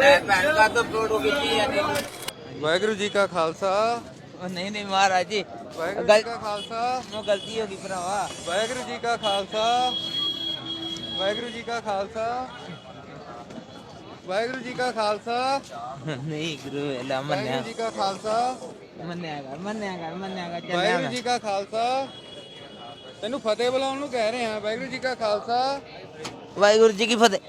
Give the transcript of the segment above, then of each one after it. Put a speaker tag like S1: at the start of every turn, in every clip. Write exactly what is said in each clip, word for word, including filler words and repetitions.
S1: ਵਾਹਿਗੁਰੂ ਜੀ ਕਾ ਖਾਲਸਾ।
S2: नहीं नहीं महाराज जी
S1: ਵਾਹਿਗੁਰੂ ਜੀ ਕਾ ਖਾਲਸਾ।
S2: वो गलती होगी भरावा।
S1: ਵਾਹਿਗੁਰੂ ਜੀ ਕਾ ਖਾਲਸਾ। ਵਾਹਿਗੁਰੂ ਜੀ ਕਾ ਖਾਲਸਾ। ਵਾਹਿਗੁਰੂ ਜੀ ਕਾ ਖਾਲਸਾ।
S2: नहीं गुरु वेला मन्या
S1: ਵਾਹਿਗੁਰੂ ਜੀ ਕਾ ਖਾਲਸਾ।
S2: मन्या कर मन्या कर मन्या कर चल
S1: ਵਾਹਿਗੁਰੂ ਜੀ ਕਾ ਖਾਲਸਾ। ਤੈਨੂੰ ਫਤਿਹ ਬੁਲਾਉਣ ਨੂੰ ਕਹਿ ਰਹੇ ਹਾਂ। ਵਾਹਿਗੁਰੂ ਜੀ ਕਾ ਖਾਲਸਾ।
S2: वाहिगुरु जी की फतेह।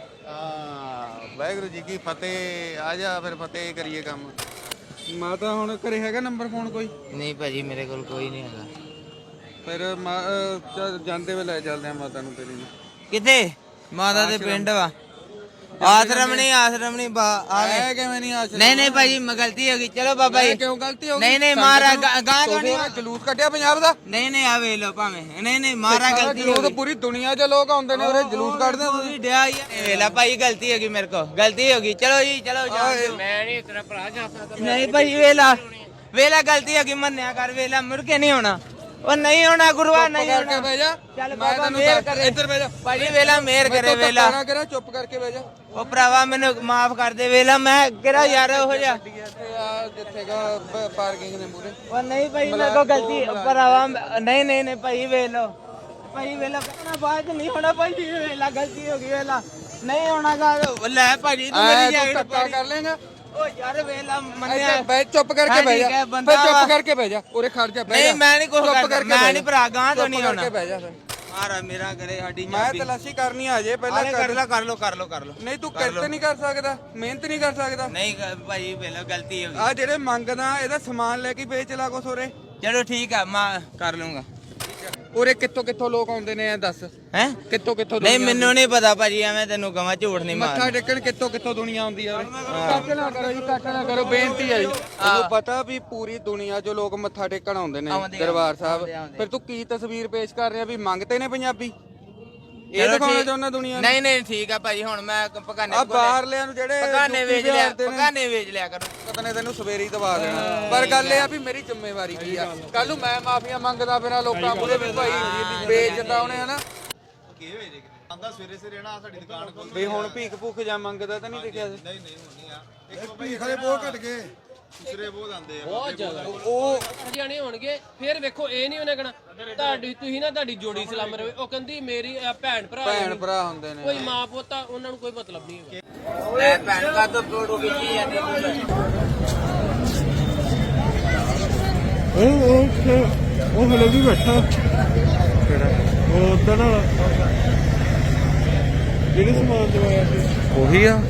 S1: ਹਾਂ ਵਾਹਿਗੁਰੂ ਜੀ ਕੀ ਫਤਿਹ। ਆ ਜਾ ਫਿਰ ਫਤਿਹ ਕਰੀਏ ਕੰਮ। ਮਾਤਾ ਹੁਣ ਘਰੇ ਹੈਗਾ ਨੰਬਰ ਫੋਨ ਕੋਈ?
S2: नहीं भाजी मेरे को कोई नहीं है।
S1: ਫਿਰ ਮਾ- ਅਹ ਚੱਲ ਜਾਂਦੇ ਵੇ ਲੈ ਚੱਲਦੇ ਆ ਮਾਤਾ ਨੂੰ ਤੇਰੀ ਨੂੰ।
S2: किथे माता दे पिंड वा आश्रम नहीं आश्रम नहीं बा आवे
S1: ਐ ਕਿਵੇਂ ਨਹੀਂ ਆਸ਼ਰਮ?
S2: नहीं नहीं भाजी मैं गलती होगी चलो बाबा
S1: ਐ
S2: जी
S1: ਕਿਉਂ ਗਲਤੀ ਹੋ ਗਈ?
S2: नहीं नहीं मारा गां तो नहीं
S1: ਨਹੀਂ ਜਲੂਸ ਕੱਢਿਆ ਪੰਜਾਬ ਦਾ।
S2: नहीं नहीं आवे लो पावे नहीं नहीं मारा गलती
S1: ਜਲੂਸ
S2: होगी
S1: ਪੂਰੀ ਦੁਨੀਆ 'ਚ ਲੋਕ ਆਉਂਦੇ ਨੇ ਉਰੇ ਜਲੂਸ ਕੱਢਦੇ ਤੁਸੀਂ।
S2: पूरी डया ही है वेला भाई गलती होगी मेरे को गलती होगी चलो जी चलो जाओ
S3: मैं नहीं तेरा भरा जा सकता।
S2: नहीं भाई वेला वेला गलती होगी मन्या कर वेला मुड़ के नहीं होना वो नहीं होना गुरुआ नहीं
S1: ਕਰਕੇ
S2: होना
S1: ਬਹਿ ਜਾ।
S2: ਚੱਲ
S1: ਮੈਂ
S2: ਬਾਬਾ
S1: ਤੈਨੂੰ
S2: ਮਿਹਰ
S1: ਦੱਸ-
S2: ਕਰੇ।
S1: ਇੱਧਰ ਬਹਿ ਜਾ।
S2: ਭਾਜੀ ਵੇਲਾ ਮਿਹਰ
S1: ਮੈਂ
S2: ਕਰੇ
S1: ਤਾਂ
S2: ਵੇਲਾ
S1: ਧੱਕਾ ਨਾ ਕਰਾਂ, ਚੁੱਪ ਕਰਕੇ ਬਹਿ ਜਾ।
S2: ਉਹ ਭਰਾਵਾ ਮੈਨੂੰ ਮਾਫ ਕਰ ਦੇ ਵੇਲਾ ਮੈਂ ਕਿਹੜਾ ਯਾਰ ਉਹ ਜਿਹਾ
S1: ਇੱਥੇ ਆ ਜਿੱਥੇਗਾ ਪਾਰਕਿੰਗ ਦੇ ਮੂਰੇ।
S2: ਉਹ ਨਹੀਂ ਭਾਈ ਮੇਰੇ ਕੋ ਗਲਤੀ ਭਰਾਵਾ ਨਹੀਂ ਨਹੀਂ ਨਹੀਂ ਭਾਈ ਵੇਲੋ ਭਾਈ ਵੇਲਾ ਕਹਿਣਾ ਬਾਅਦ ਨਹੀਂ ਹੋਣਾ ਭਾਈ ਵੇਲਾ ਗਲਤੀ ਹੋ ਗਈ ਵੇਲਾ ਨਹੀਂ ਹੋਣਾ ਗਾ ਲੈ ਭਾਜੀ ਤੂੰ
S1: ਐ
S2: ਮੇਰੀ
S1: ਤੂੰ
S2: ਜੈਕਟ
S1: ਧੱਕਾ ਕਰ ਲੇਗਾ।
S2: ਉਹ ਯਾਰ ਵੇਲਾ ਮੰਨਿਆ
S1: ਇੱਥੇ ਬਹਿ ਚੁੱਪ ਕਰਕੇ
S2: ਹਾਂ,
S1: ਬਹਿ
S2: ਠੀਕ
S1: ਜਾ।
S2: ਹੈ, ਬੰਦਾ
S1: ਫਿਰ ਚੁੱਪ
S2: ਵਾ।
S1: ਕਰਕੇ ਬਹਿ ਜਾ। ਉਰੇ ਖੜ ਜਾ ਬਹਿ ਜਾ।
S2: ਨਹੀਂ ਮੈਂ ਨਹੀਂ ਕੁਝ
S1: ਚੁੱਪ
S2: ਕਰਦਾ
S1: ਕਰਕੇ
S2: ਮੈਂ
S1: ਬਹਿ
S2: ਨਹੀਂ
S1: ਜਾ।
S2: ਭਰਾ ਗਾਂ ਤੋਂ
S1: ਚੁੱਪ
S2: ਨਹੀਂ
S1: ਕਰਕੇ
S2: ਹੋਣਾ
S1: ਬਹਿ ਜਾ ਫਿਰ।
S2: ਮਾਰਾ ਮੇਰਾ ਕਰੇ ਸਾਡੀ
S1: ਮੈਂ ਤਲਾਸ਼ੀ ਕਰਨੀ ਆ ਜੇ ਪਹਿਲਾਂ
S2: ਕਰ ਲੋ ਕਰ ਲੋ ਕਰ ਲੋ ਕਰ ਲੋ
S1: ਨਹੀਂ ਤੂੰ ਕਿਰਤ ਨਹੀਂ ਕਰ ਸਕਦਾ, ਮਿਹਨਤ ਨਹੀਂ ਕਰ ਸਕਦਾ।
S2: ਨਹੀਂ ਭਾਈ ਵੇਲਾ ਗਲਤੀ ਹੋ ਗਈ
S1: ਆ ਜਿਹੜੇ ਮੰਗਦਾ ਇਹਦਾ ਸਮਾਨ ਲੈ ਕੇ ਵੇਚ ਲਾ ਕੁਛ ਉਰੇ।
S2: ਚਲੋ ਠੀਕ ਆ ਮੈਂ ਕਰ ਲੂੰਗਾ
S1: ਉਰੇ ਕਿੱਥੋਂ ਕਿੱਥੋਂ ਲੋਕ ਆਉਂਦੇ ਨੇ ਇਹ ਦੱਸ।
S2: ਹੈ
S1: ਕਿੱਥੋਂ ਕਿੱਥੋਂ
S2: ਨਹੀਂ
S1: ਦੁਨੀਆ
S2: ਮੈਨੂੰ ਨਹੀਂ ਪਤਾ ਭਾਜੀ ਐਵੇਂ ਤੈਨੂੰ ਕਹਾਂ ਝੂਠ ਨਹੀਂ
S1: ਮੱਥਾ
S2: ਮਾਰ
S1: ਟੇਕਣ ਕਿੱਥੋਂ ਕਿੱਥੋਂ ਦੁਨੀਆ ਆਉਂਦੀ ਆ ਉਰੇ। ਕੱਟ ਨਾ ਕਰੋ ਜੀ, ਕੱਟ ਨਾ ਕਰੋ, ਬੇਨਤੀ ਹੈ ਜੀ। ਤੁਹਾਨੂੰ ਪਤਾ ਵੀ ਪੂਰੀ ਦੁਨੀਆ 'ਚੋਂ ਲੋਕ ਮੱਥਾ ਟੇਕਣ ਆਉਂਦੇ ਨੇ
S2: ਆਉਂਦੇ ਆ,
S1: ਦਰਬਾਰ
S2: ਆਉਂਦੇ ਆ,
S1: ਸਾਹਿਬ।
S2: ਆਉਂਦੇ
S1: ਫਿਰ ਤੂੰ ਕੀ ਤਸਵੀਰ ਪੇਸ਼ ਕਰ ਰਿਹਾ ਵੀ ਮੰਗਤੇ ਨੇ ਪੰਜਾਬੀ? ਇਹ
S2: ਚਲੋ
S1: ਦਿਖਾਉਣਾ
S2: ਠੀਕ-
S1: ਚਾਹੁੰਦਾ ਦੁਨੀਆ ਨੂੰ?
S2: ਨਹੀਂ ਨਹੀਂ ਠੀਕ ਆ ਭਾਜੀ ਹੁਣ ਮੈਂ ਪਕਾਨੇ
S1: ਆ ਬਾਹਰਲਿਆਂ ਨੂੰ ਜਿਹੜੇ
S2: ਪਕਾਨੇ
S1: ਯੂਪੀ
S2: ਵੇਚ ਲਿਆ
S1: ਬਿਹਾਰ ਦੇ ਨੇ,
S2: ਪਕਾਨੇ ਵੇਚ ਲਿਆ ਕਰੋ
S1: ਪਤਾ ਨੇ ਤੈਨੂੰ ਸਵੇਰੀ ਦਬਾ ਦੇਣਾ। ਪਰ ਗੱਲ ਇਹ ਆ ਵੀ ਮੇਰੀ ਜ਼ਿੰਮੇਵਾਰੀ ਕੀ ਆ। ਕੱਲ ਨੂੰ ਮੈਂ ਮਾਫੀਆਂ ਮੰਗਦਾ ਫਿਰਾਂ ਲੋਕਾਂ ਕੋਲੇ ਵੀ ਭਾਈ ਵੇਚਦਾ ਉਹਨੇ ਹਨਾ
S4: ਆਂਦਾ ਸਵੇਰੇ ਸਵੇਰੇ ਨਾ ਸਾਡੀ ਦੁਕਾਨ ਕੋਲ
S1: ਵੀ ਹੁਣ ਭੀਖ ਭੁੱਖ ਜਾਂ ਮੰਗਦਾ ਤਾਂ ਨਹੀਂ ਦਿਖਿਆ ਸੀ?
S4: ਨਹੀਂ ਨਹੀਂ ਹੁੰਨੀ ਆ ਇੱਕ ਭੀਖ ਵਾਲੇ ਬਹੁਤ ਘਟ ਗਏ, ਦੂਸਰੇ ਬਹੁਤ ਆਂਦੇ ਆ
S3: ਬਹੁਤ ਜ਼ਿਆਦਾ
S1: ਉਹ
S3: ਜਾਣੇ ਹੋਣਗੇ। ਫਿਰ ਵੇਖੋ ਇਹ ਨਹੀਂ ਉਹਨੇ ਕਹਣਾ ਤੁਹਾਡੀ ਤੁਸੀਂ ਨਾ ਤੁਹਾਡੀ ਜੋੜੀ ਸਲਾਮ ਰਵੇ। ਉਹ ਕਹਿੰਦੀ ਮੇਰੀ ਅਹ, ਭੈਣ ਭਰਾ
S1: ਭੈਣ
S3: ਨੇ।
S1: ਭਰਾ ਹੁੰਦੇ ਨੇ।
S3: ਕੋਈ ਮਾਂ ਪੋਤਾ ਉਹਨਾਂ ਨੂੰ ਕੋਈ ਮਤਲਬ ਨਹੀਂ ਹੈਗਾ।
S2: ਲੈ ਭੈਣ ਕਾ ਤੋਂ ਫੋਟੋ ਖਿੱਚੀ ਜਾਂਦੀ
S5: ਉਹ ਉਹ ਉਹ ਹਲੇ ਵੀ ਬੈਠਾ ਕਿਹੜਾ ਉਹ ਉਧਰ ਨਾਲ ਜਿਹੜੇ ਸਮਾਨ ਦਵਾਇਆ ਸੀ
S1: ਉਹੀ ਆ।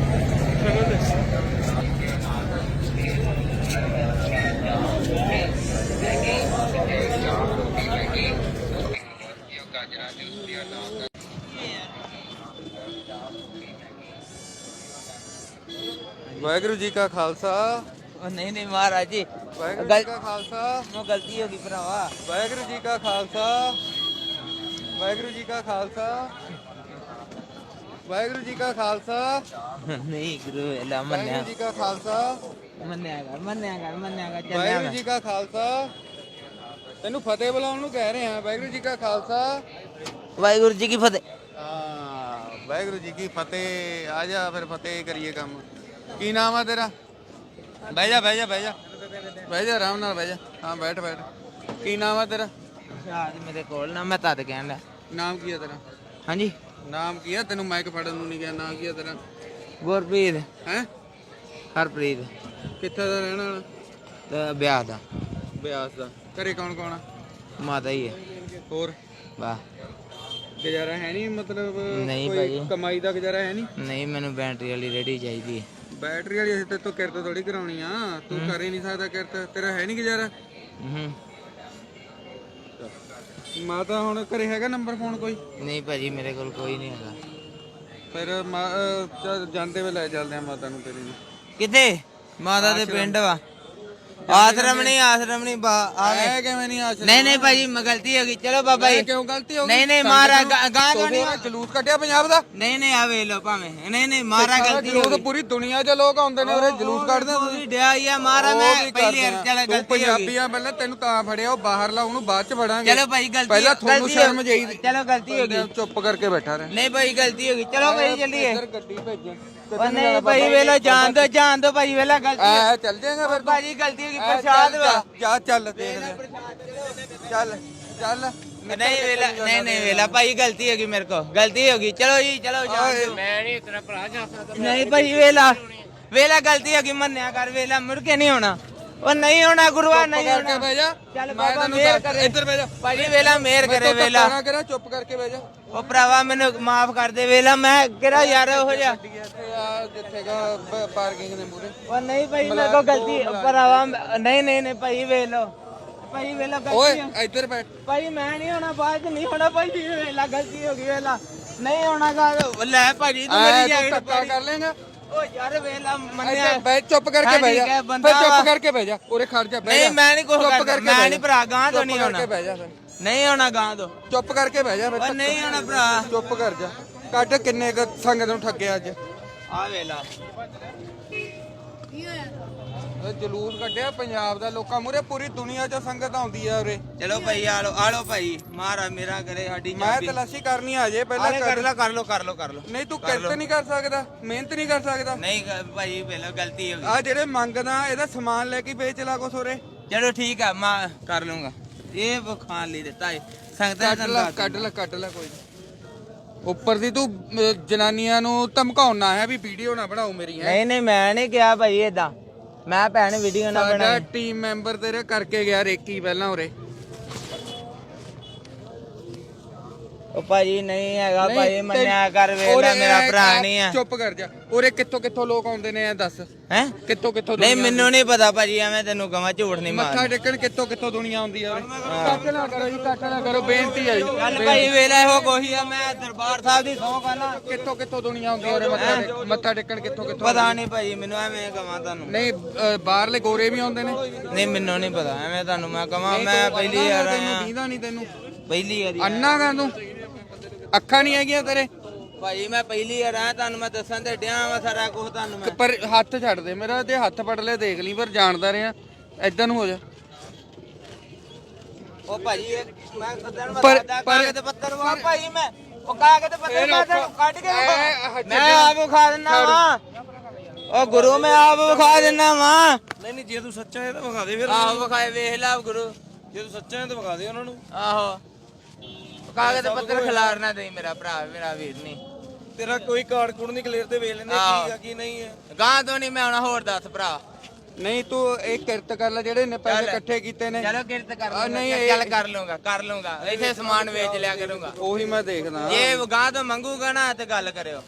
S1: ਵਾਹਿਗੁਰੂ ਜੀ ਕਾ ਖਾਲਸਾ।
S2: ਉਹ ਨਹੀਂ ਨਹੀਂ ਮਹਾਰਾਜ ਜੀ
S1: ਵਾਹਿਗੁਰੂ ਜੀ ਕਾ ਖਾਲਸਾ।
S2: ਉਹ ਗਲਤੀ ਹੋ ਗਈ ਭਰਾਵਾ
S1: ਵਾਹਿਗੁਰੂ ਜੀ ਕਾ ਖਾਲਸਾ। ਵਾਹਿਗੁਰੂ ਜੀ ਕਾ ਖਾਲਸਾ। ਵਾਹਿਗੁਰੂ ਜੀ ਕਾ ਖਾਲਸਾ।
S2: ਨਹੀਂ ਗੁਰੂ ਵੇਲਾ ਮੰਨਿਆ
S1: ਵਾਹਿਗੁਰੂ ਜੀ ਕਾ ਖਾਲਸਾ।
S2: ਮੰਨਿਆ ਕਰ ਮੰਨਿਆ ਕਰ ਮੰਨਿਆ ਕਰ ਚੱਲਿਆ
S1: ਵਾਹਿਗੁਰੂ
S2: ਮੈਂ
S1: ਜੀ ਕਾ ਖਾਲਸਾ। ਤੈਨੂੰ ਫਤਿਹ ਬੁਲਾਉਣ ਨੂੰ ਕਹਿ ਰਹੇ ਹਾਂ। ਵਾਹਿਗੁਰੂ ਜੀ ਕਾ ਖਾਲਸਾ।
S2: ਵਾਹਿਗੁਰੂ ਜੀ ਕੀ ਫਤਿਹ।
S1: ਹਾਂ ਵਾਹਿਗੁਰੂ ਜੀ ਕੀ ਫਤਿਹ। ਆ ਜਾ ਫਿਰ ਫਤਿਹ ਕਰੀਏ ਕੰਮ। ਕੀ ਨਾਮ ਆ ਤੇਰਾ? ਬਹਿ ਜਾ ਬਹਿ ਜਾ ਬਹਿ ਜਾ ਬਹਿ ਜਾ ਆਰਾਮ ਨਾਲ ਬਹਿ ਜਾ। ਹਾਂ ਬੈਠ ਬੈਠ। ਕੀ ਨਾਮ ਆ ਤੇਰਾ?
S2: ਆਜ ਮੇਰੇ ਕੋਲ ਨਾ ਮੈਂ ਤਦ ਕਹਿਣ ਲਿਆ
S1: ਨਾਮ ਕੀ ਆ ਤੇਰਾ?
S2: ਹਾਂਜੀ
S1: ਨਾਮ ਕੀ ਆ? ਤੈਨੂੰ ਮਾਈਕ ਫੜਨ ਨੂੰ ਨਹੀਂ ਗਿਆ। ਨਾਮ ਕੀ ਆ ਤੇਰਾ?
S2: ਗੁਰਪ੍ਰੀਤ
S1: ਹੈ
S2: ਹਰਪ੍ਰੀਤ
S1: ਕਿੱਥੇ ਦਾ ਰਹਿਣ ਵਾਲਾ?
S2: ਤੇ ਵਿਆਹ ਦਾ
S1: ਬਿਆਸ ਦਾ। ਘਰੇ ਕੌਣ ਕੌਣ ਆ?
S2: ਮਾਤਾ ਹੀ ਹੈ
S1: ਹੋਰ
S2: ਵਾਹ
S1: ਗੁਜ਼ਾਰਾ ਹੈ ਨਹੀਂ? ਮਤਲਬ
S2: ਨਹੀਂ
S1: ਕੋਈ
S2: ਭਾਜੀ।
S1: ਕਮਾਈ ਦਾ ਗੁਜ਼ਾਰਾ ਹੈ ਨਹੀਂ?
S2: ਨਹੀਂ ਮੈਨੂੰ ਬੈਟਰੀ ਵਾਲੀ ਰੇਡੀ ਚਾਹੀਦੀ ਹੈ
S1: ਬੈਟਰੀ ਵਾਲੀ ਅਸੀਂ ਤੇ ਤੂੰ ਕਿਰਤ ਥੋੜੀ ਕਰਾਉਣੀ ਆ। ਤੂੰ ਕਰ ਹੀ ਨਹੀਂ ਸਕਦਾ ਕਿਰਤ। ਤੇਰਾ ਹੈ ਨਹੀਂ ਗੁਜ਼ਾਰਾ?
S2: ਹੂੰ
S1: ਮਾਤਾ ਹੁਣ ਘਰੇ ਹੈਗਾ ਨੰਬਰ ਫੋਨ ਕੋਈ?
S2: ਨਹੀਂ ਭਾਜੀ ਮੇਰੇ ਕੋਲ ਕੋਈ ਨਹੀਂ ਹੈਗਾ
S1: ਫਿਰ ਮਾ- ਅਹ ਚੱਲ ਜਾਂਦੇ ਵੇ ਲੈ ਚੱਲਦੇ ਆ ਮਾਤਾ ਨੂੰ ਤੇਰੀ ਨੂੰ।
S2: ਕਿਥੇ ਮਾਤਾ ਦੇ ਪਿੰਡ ਵਾ ਆਸ਼ਰਮ ਨਹੀਂ ਆਸ਼ਰਮ ਨਹੀਂ ਬਾ ਆਵੇ
S1: ਐ ਕਿਵੇਂ ਨਹੀਂ ਆਸ਼ਰਮ?
S2: ਨਹੀਂ ਨਹੀਂ ਭਾਜੀ ਮੈਂ ਗਲਤੀ ਹੋ ਗਈ ਚਲੋ ਬਾਬਾ
S1: ਐ
S2: ਜੀ
S1: ਕਿਉਂ ਗਲਤੀ ਹੋ ਗਈ?
S2: ਨਹੀਂ ਨਹੀਂ ਮਾਰਾ ਗਾਂ ਤੋਂ ਨਹੀਂ
S1: ਜਲੂਸ ਕੱਢਿਆ ਪੰਜਾਬ ਦਾ।
S2: ਨਹੀਂ ਨਹੀਂ ਆਵੇ ਲੋ ਭਾਵੇਂ ਨਹੀਂ ਨਹੀਂ ਮਾਰਾ ਗਲਤੀ ਹੋ
S1: ਜਲੂਸ
S2: ਗਈ
S1: ਪੂਰੀ ਦੁਨੀਆ 'ਚ ਲੋਕ ਆਉਂਦੇ ਨੇ ਉਰੇ ਜਲੂਸ ਕੱਢਦੇ ਆ ਤੁਸੀਂ।
S2: ਪੂਰੀ ਡਿਆ ਹੀ ਆ ਮਾਰਾ
S1: ਉਹ
S2: ਮੈਂ
S1: ਵੀ
S2: ਪਹਿਲੀ
S1: ਕਰਦੇ
S2: ਵਾਰ
S1: ਆ।
S2: ਚਲ
S1: ਤੂੰ
S2: ਗਲਤੀ ਹੋ ਗਈ
S1: ਪੰਜਾਬੀ ਆ ਪਹਿਲਾਂ ਤੈਨੂੰ ਤਾਂ ਫੜਿਆ। ਉਹ ਬਾਹਰ ਲਾ ਉਹਨੂੰ ਬਾਅਦ 'ਚ ਫੜਾਂਗੇ।
S2: ਚਲੋ ਭਾਈ ਗਲਤੀ
S1: ਪਹਿਲਾਂ ਤੁਹਾਨੂੰ
S2: ਗਲਤੀ ਹੋ-
S1: ਸ਼ਰਮ ਚਾਹੀਦੀ।
S2: ਚਲੋ ਗਲਤੀ ਹੋ ਗਈ
S1: ਚੁੱਪ ਕਰਕੇ ਬੈਠਾ ਰਹਿ।
S2: ਨਹੀਂ ਭਾਈ ਗਲਤੀ ਹੋ ਗਈ ਚਲੋ ਭਾਈ ਚੱਲੀਏ
S1: ਇੱਧਰ ਗੱਡੀ ਭੇਜੋ।
S2: ਉਹ ਨਹੀਂ ਭਾਈ ਵੇਲਾ ਜਾਣ ਦੋ ਜਾਣ ਦੋ ਭਾਈ ਵੇਲਾ ਗਲਤੀ
S1: ਆ ਚੱਲ ਜਾਏਗਾ ਫਿਰ ਤੂੰ।
S2: ਭਾਜੀ ਗਲਤੀ ਹੋ ਗਈ
S1: ਆ,
S2: ਪ੍ਰਸ਼ਾਦ
S1: ਚੱਲ,
S2: ਵਾ
S1: ਜਾ ਚੱਲ ਦੇਖ ਲੈ ਚੱਲ ਚੱਲ
S2: ਨਹੀਂ ਵੇਲਾ ਨਹੀਂ ਨਹੀਂ ਵੇਲਾ ਭਾਈ ਗਲਤੀ ਹੋ ਗਈ ਮੇਰੇ ਕੋ ਗਲਤੀ ਹੋ ਗਈ ਚਲੋ ਜੀ ਚਲੋ ਜਾਣ ਦਿਓ।
S3: ਮੈਂ ਨਹੀਂ ਤੇਰਾ ਭਰਾ ਜਾ ਸਕਦਾ
S2: ਨਹੀਂ ਭਾਈ ਵੇਲਾ ਵੇਲਾ ਗਲਤੀ ਹੋ ਗਈ ਮੰਨਿਆ ਕਰ ਵੇਲਾ ਮੁੜ ਕੇ ਨਹੀਂ ਹੋਣਾ ਉਹ ਨਹੀਂ ਹੋਣਾ ਗੁਰੂਆ ਨਹੀਂ
S1: ਕਰਕੇ
S2: ਹੋਣਾ
S1: ਬਹਿ ਜਾ
S2: ਚੱਲ
S1: ਮੈਂ
S2: ਬਾਬਾ
S1: ਤੈਨੂੰ
S2: ਮਿਹਰ
S1: ਦੱਸ-
S2: ਕਰੇ
S1: ਇੱਧਰ ਬਹਿ ਜਾ
S2: ਭਾਜੀ ਵੇਲਾ ਮਿਹਰ ਕਰੇ ਵੇਲਾ
S1: ਨਾ ਕਰਾ ਚੁੱਪ ਕਰਕੇ ਬਹਿ ਜਾ
S2: ਉਹ ਭਰਾਵਾ ਮੈਨੂੰ ਮਾਫ ਕਰ ਦੇ ਵੇਲਾ ਮੈਂ ਕਿਹੜਾ ਯਾਰ ਹੋ ਜਾ
S1: ਇੱਥੇ ਆ ਜਿੱਥੇਗਾ ਪਾਰਕਿੰਗ ਦੇ ਮੂਰੇ
S2: ਉਹ ਨਹੀਂ ਭਾਈ ਮੇਰੇ ਕੋ ਗਲਤੀ ਭਰਾਵਾ ਨਹੀਂ ਨਹੀਂ ਨਹੀਂ ਭਾਈ ਵੇਲੋ ਭਾਈ ਵੇਲਾ
S1: ਓਏ
S2: ਗਲਤੀ
S1: ਇੱਧਰ ਬੈਠ
S2: ਭਾਈ ਮੈਂ ਨਹੀਂ ਹੋਣਾ ਬਾਅਦ ਚ ਨਹੀਂ ਹੋਣਾ ਭਾਈ ਵੇਲਾ ਗਲਤੀ ਹੋ ਗਈ ਵੇਲਾ ਨਹੀਂ ਹੋਣਾ ਗਾ ਲੈ ਭਾਜੀ ਤੂੰ
S1: ਐ
S2: ਮੇਰੀ
S1: ਤੂੰ
S2: ਜੈਕਟ
S1: ਧੱਕਾ ਕਰ ਲੇਗਾ
S2: ਓ ਯਾਰ ਵੇਲਾ ਮੰਨਿਆ
S1: ਇੱਧਰ ਬਹਿ ਚੁੱਪ ਕਰਕੇ
S2: ਹਾਂ,
S1: ਬਹਿ
S2: ਠੀਕ
S1: ਜਾ
S2: ਹੈ, ਬੰਦਾ
S1: ਫਿਰ
S2: ਵਾ।
S1: ਚੁੱਪ ਕਰਕੇ ਬਹਿ ਜਾ ਉਰੇ ਖੜ ਜਾ ਬਹਿ
S2: ਨਹੀਂ
S1: ਜਾ
S2: ਮੈਂ ਨਹੀਂ ਕੁਝ
S1: ਚੁੱਪ
S2: ਕਰਦਾ
S1: ਕਰਕੇ
S2: ਮੈਂ
S1: ਬਹਿ
S2: ਨਹੀਂ
S1: ਜਾ।
S2: ਭਰਾ ਗਾਂ ਤੋਂ
S1: ਚੁੱਪ
S2: ਨਹੀਂ
S1: ਕਰਕੇ
S2: ਹੋਣਾ
S1: ਬਹਿ ਜਾ ਫਿਰ
S2: ਨਹੀਂ ਹੋਣਾ ਗਾਂ ਤੋਂ
S1: ਚੁੱਪ ਕਰਕੇ ਬਹਿ ਜਾ ਫਿਰ
S2: ਉਹ ਨਹੀਂ ਹੋਣਾ ਭਰਾ
S1: ਚੁੱਪ ਕਰ ਜਾ ਕੱਢ ਕਿੰਨੇ ਕੁ ਸੰਗਤ ਨੂੰ ਠੱਗਿਆ ਅੱਜ
S2: ਆ ਵੇਲਾ
S1: ਇਹ ਜਲੂਸ ਕੱਢਿਆ ਪੰਜਾਬ ਦਾ ਲੋਕਾਂ ਮੂਰੇ ਪੂਰੀ ਦੁਨੀਆ 'ਚ ਸੰਗਤ ਆਉਂਦੀ ਆ ਉਰੇ
S2: ਚਲੋ ਭਾਈ ਆ ਲੋ ਆ ਲੋ ਭਾਈ ਮਾਰਾ ਮੇਰਾ ਕਰੇ ਸਾਡੀ
S1: ਮੈਂ ਤਲਾਸ਼ੀ ਕਰਨੀ ਆ ਜੇ ਪਹਿਲਾਂ
S2: ਆਲੇ ਕਰ
S1: ਕਰ
S2: ਲੋ ਕਰ ਲੋ ਕਰ ਲੋ ਕਰ ਲੋ
S1: ਨਹੀਂ ਤੂੰ ਕਿਰਤ ਨਹੀਂ ਕਰ ਸਕਦਾ ਮਿਹਨਤ ਨਹੀਂ ਕਰ ਸਕਦਾ
S2: ਨਹੀਂ ਗ- ਭਾਈ ਵੇਲਾ ਗਲਤੀ ਹੋ ਗਈ
S1: ਆ ਜਿਹੜੇ ਮੰਗਦਾ ਇਹਦਾ ਸਮਾਨ ਲੈ ਕੇ ਵੇਚ ਲਾ ਕੁਛ ਉਰੇ
S2: ਚਲੋ ਠੀਕ ਆ ਮੈਂ ਕਰ ਲੂੰਗਾ ਇਹ ਉਹ ਖਾਣ ਲਈ ਦਿੱਤਾ ਹੈ ਸੰਗਤਾਂ
S1: ਕੱਢ ਲੈ ਕੱਢ ਲੈ ਕੱਢ ਲੈ ਕੋਈ ਨੀ। ਉੱਪਰ ਦੀ ਤੂੰ ਅਹ, ਜਨਾਨੀਆਂ ਨੂੰ ਧਮਕਾਉਣਾ ਹੈ ਵੀ ਵੀਡੀਓ ਨਾ ਬਣਾਓ ਮੇਰੀ ਹੈ
S2: ਨਹੀਂ ਨਹੀਂ ਮੈਂ ਨਹੀਂ ਕਿਹਾ ਭਾਈ ਏਦਾਂ ਮੈਂ ਭੈਣ ਵੀਡੀਓ ਨਾ
S1: ਸਾਡਾ
S2: ਬਣਾਈ
S1: ਟੀਮ ਮੈਂਬਰ ਤੇਰੇ ਕਰਕੇ ਗਿਆ ਰੇਕੀ ਪਹਿਲਾਂ ਉਰੇ
S2: ਉਹ ਭਾਜੀ ਨਹੀਂ ਹੈਗਾ
S1: ਨਹੀਂ,
S2: ਭਾਈ
S1: ਤੇ-
S2: ਮੰਨਿਆ ਕਰ ਵੇਲਾ
S1: ਉਰੇ
S2: ਮੇਰਾ
S1: ਇਹ-
S2: ਭਰਾ
S1: ਇਹ
S2: ਨਹੀਂ ਆ
S1: ਚੁੱਪ ਕਰ ਜਾ ਉਰੇ ਕਿੱਥੋਂ ਕਿੱਥੋਂ ਲੋਕ ਆਉਂਦੇ ਨੇ ਇਹ ਦੱਸ
S2: ਹੈ
S1: ਕਿੱਥੋਂ ਕਿੱਥੋਂ
S2: ਨਹੀਂ
S1: ਦੁਨੀਆ
S2: ਮੈਨੂੰ ਨਹੀਂ ਪਤਾ ਭਾਜੀ ਐਵੇਂ ਤੈਨੂੰ ਕਹਾਂ ਝੂਠ ਨਹੀਂ
S1: ਮੱਥਾ
S2: ਮਾਰ
S1: ਟੇਕਣ ਕਿੱਥੋਂ ਕਿੱਥੋਂ ਦੁਨੀਆ ਆਉਂਦੀ ਆ ਉਰੇ ਕੱਟ ਨਾ ਕਰੋ ਜੀ ਕੱਟ ਨਾ ਕਰੋ ਬੇਨਤੀ ਹੈ ਜੀ
S2: ਚੱਲ ਭਾਈ ਵੇਲਾ ਇਹੋ ਕੋਹੀ ਆ ਮੈਂ ਦਰਬਾਰ ਸਾਹਿਬ ਦੀ ਸੌਂ ਖਾਣਾ
S1: ਕਿੱਥੋਂ ਕਿੱਥੋਂ ਦੁਨੀਆ ਆਉਂਦੀ ਆ ਉਰੇ ਮੱਥਾ ਟੇਕ- ਮੱਥਾ ਟੇਕਣ ਕਿੱਥੋਂ ਕਿੱਥੋਂ
S2: ਪਤਾ ਨਹੀਂ ਭਾਜੀ ਮੈਨੂੰ ਐਵੇਂ ਕਹਾਂ ਤੁਹਾਨੂੰ
S1: ਨਹੀਂ ਅਹ, ਬਾਹਰਲੇ ਗੋਰੇ ਵੀ ਆਉਂਦੇ ਨੇ
S2: ਨਹੀਂ ਮੈਨੂੰ ਨਹੀਂ ਪਤਾ ਐਵੇਂ ਤੁਹਾਨੂੰ ਮੈਂ ਕਹਾਂ ਮੈਂ ਪਹਿਲੀ ਵਾਰ
S1: ਤੈਨੂੰ
S2: ਆਇਆ
S1: ਦੀਦਾ ਨਹੀਂ ਤੈਨੂੰ
S2: ਪਹਿਲੀ ਵਾਰੀ
S1: ਅੰਨਾ ਗਾ ਤੂੰ ਅੱਖਾਂ ਨਹੀਂ ਹੈਗੀਆਂ ਤੇਰੇ
S2: ਭਾਜੀ ਮੈਂ ਪਹਿਲੀ ਵਾਰ ਆਇਆ ਤੁਹਾਨੂੰ ਮੈਂ ਦੱਸਣ ਤੇ ਡਿਆ ਵਾ ਸਾਰਾ ਕੁਝ ਤੁਹਾਨੂੰ ਮੈਂ
S1: ਪਰ ਹੱਥ ਛੱਡ ਦੇ ਮੇਰਾ ਤੇ ਹੱਥ ਫੜ ਲੈ ਦੇਖ ਲਈ ਪਰ ਜਾਣਦਾ ਰਿਹਾ ਏਦਾਂ ਨੂੰ ਹੋ ਜਾ
S2: ਉਹ ਭਾਜੀ ਇਹ ਮੈਂ ਸਦਨ ਮੈਂ
S1: ਪਰ-
S2: ਦੱਸਦਾ
S1: ਪਰ-
S2: ਕਾਗਜ਼ ਪੱਤਰ ਵਾ ਭਾਜੀ ਮੈਂ ਉਹ ਕਾਗਜ਼ ਪੱਤਰ
S1: ਇਹ
S2: ਮੈਂ
S1: ਰੱਖ।
S2: ਤੈਨੂੰ ਕੱਢ ਕੇ
S1: ਇਹ
S2: ਵਿਖਾ-
S1: ਹੱਥ
S2: ਮੈਂ ਆਪ ਵਿਖਾ ਦਿੰਦਾ ਵਾ ਉਹ ਗੁਰੂ ਮੈਂ ਆਪ ਵਿਖਾ ਦਿੰਦਾ ਵਾ
S5: ਨਹੀਂ ਨਹੀਂ ਜੇ ਤੂੰ ਸੱਚਾ ਹੈ ਤਾਂ ਵਿਖਾ ਦੇ ਫਿਰ
S2: ਆਹੋ ਵਿਖਾਏ ਵੇਖ ਲਾ ਗੁਰੂ
S5: ਜੇ ਤੂੰ ਸੱਚਾ ਹੈ ਤਾਂ ਵਿਖਾ ਦੇ ਉਹਨਾਂ ਨੂੰ
S2: ਆਹੋ ਕਾਗਜ਼ ਪੱਤਰ ਖਿਲਾਰਨਾ ਦੇ ਮੇਰਾ ਭਰਾ ਮੇਰਾ ਵੀਰ ਨਹੀਂ
S5: ਤੇਰਾ ਕੋਈ ਕਾਰਡ ਕੂਡ ਨਹੀਂ ਕਲੀਅਰ ਤੇ ਵੇਖ ਲੈਂਦੇ
S2: ਆਹੋ।
S5: ਕੀ ਆ ਕੀ ਨਹੀਂ ਹੈ
S2: ਗਾਂ ਤੋਂ ਨਹੀਂ ਮੈਂ ਹੁਣ ਹੋਰ ਦੱਸ ਭਰਾ
S1: ਨਹੀਂ ਤੂੰ ਇਹ ਕਿਰਤ ਕਰ ਲੈ ਜਿਹੜੇ ਨੇ ਪੈਸੇ ਇਕੱਠੇ ਕੀਤੇ ਨੇ
S2: ਚਲੋ ਕਿਰਤ ਕਰ
S1: ਆ, ਨਹੀਂ,
S2: ਲੂੰਗਾ
S1: ਇਹ-
S2: ਚੱਲ ਕਰ ਲੂੰਗਾ ਕਰ ਲੂੰਗਾ ਇੱਥੇ ਸਮਾਨ ਵੇਚ ਲਿਆ ਕਰੂੰਗਾ
S1: ਉਹੀ ਮੈਂ ਦੇਖਦਾ
S2: ਜੇ ਗਾਂ ਤੋਂ ਮੰਗੂਗਾ ਨਾ ਤੇ ਗੱਲ ਕਰਿਓ